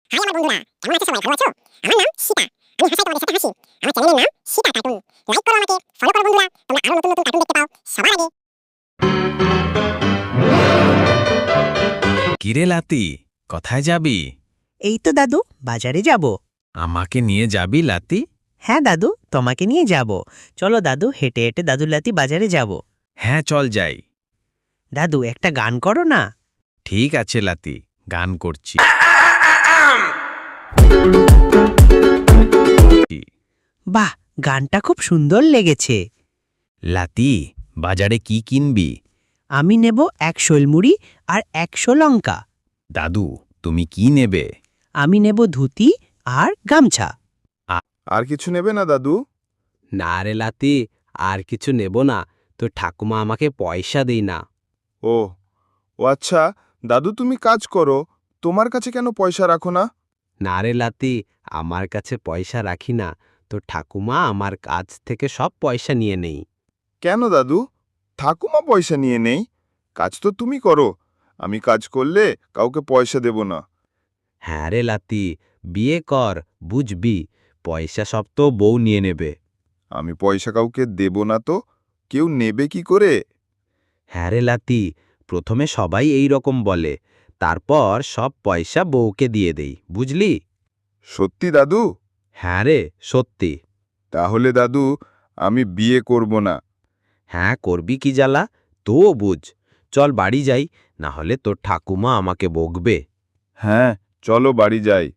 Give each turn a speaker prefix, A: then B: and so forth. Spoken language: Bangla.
A: হাই আমার বন্ধুরা, কেমন আছো সবাই? ভালো আছো? আমার নাম সীতা। আমি হাসাই তোমাদের সাথে হাসি। আমার চ্যানেলের নাম সীতা কার্টুন। লাইক করো আমাকে, ফলো করো বন্ধুরা। তোমরা আরো নতুন নতুন কার্টুন দেখতে পাও সবার আগে।
B: কিরে লাতি, কোথায় যাবি?
C: এই তো দাদু, বাজারে যাব।
B: আমাকে নিয়ে যাবি লাতি?
C: হ্যাঁ দাদু, তোমাকে নিয়ে যাব। চলো দাদু, হেঁটে হেঁটে দাদুলাতি বাজারে যাব।
B: হ্যাঁ চল যাই।
C: দাদু, একটা গান করো না।
B: ঠিক আছে লাতি, গান করছি।
C: বাহ, গানটা খুব সুন্দর লেগেছে।
B: লাতি, বাজারে কি কিনবি?
C: আমি নেব 1 শোলমুড়ি আর 100 লঙ্কা।
B: দাদু, তুমি কি নেবে?
C: আমি নেব ধুতি আর গামছা।
D: আর কিছু নেবে না দাদু?
E: না রে লাতি, আর কিছু নেব না। তো ঠাকুমা আমাকে পয়সা দেই না।
D: ও ও আচ্ছা, দাদু তুমি কাজ করো, তোমার কাছে কেন পয়সা রাখো না?
E: না রে লাতি, আমার কাছে পয়সা রাখি না। তো ঠাকুমা আমার কাছ থেকে সব পয়সা নিয়ে নেই।
D: কেন দাদু? ঠাকুমা পয়সা নিয়ে নেই? কাজ তো তুমি করো, আমি কাজ করলে কাউকে পয়সা দেব না।
E: হ্যাঁ রে লাতি, বিয়ে কর, বুঝবি, পয়সা সব তো বউ নিয়ে নেবে।
D: আমি পয়সা কাউকে দেব না তো কেউ নেবে কি করে?
E: হ্যাঁ রে লাতি, প্রথমে সবাই এই রকম বলে, তারপর সব পয়সা বউকে দিয়ে দেই, বুঝলি?
D: সত্যি দাদু?
E: হ্যাঁ রে, সত্যি।
D: তাহলে দাদু আমি বিয়ে করব না।
E: হ্যাঁ, করবি কি জ্বালা, তো বুঝ। চল বাড়ি যাই, না হলে তোর ঠাকুমা আমাকে বকবে।
D: হ্যাঁ চলো বাড়ি যাই।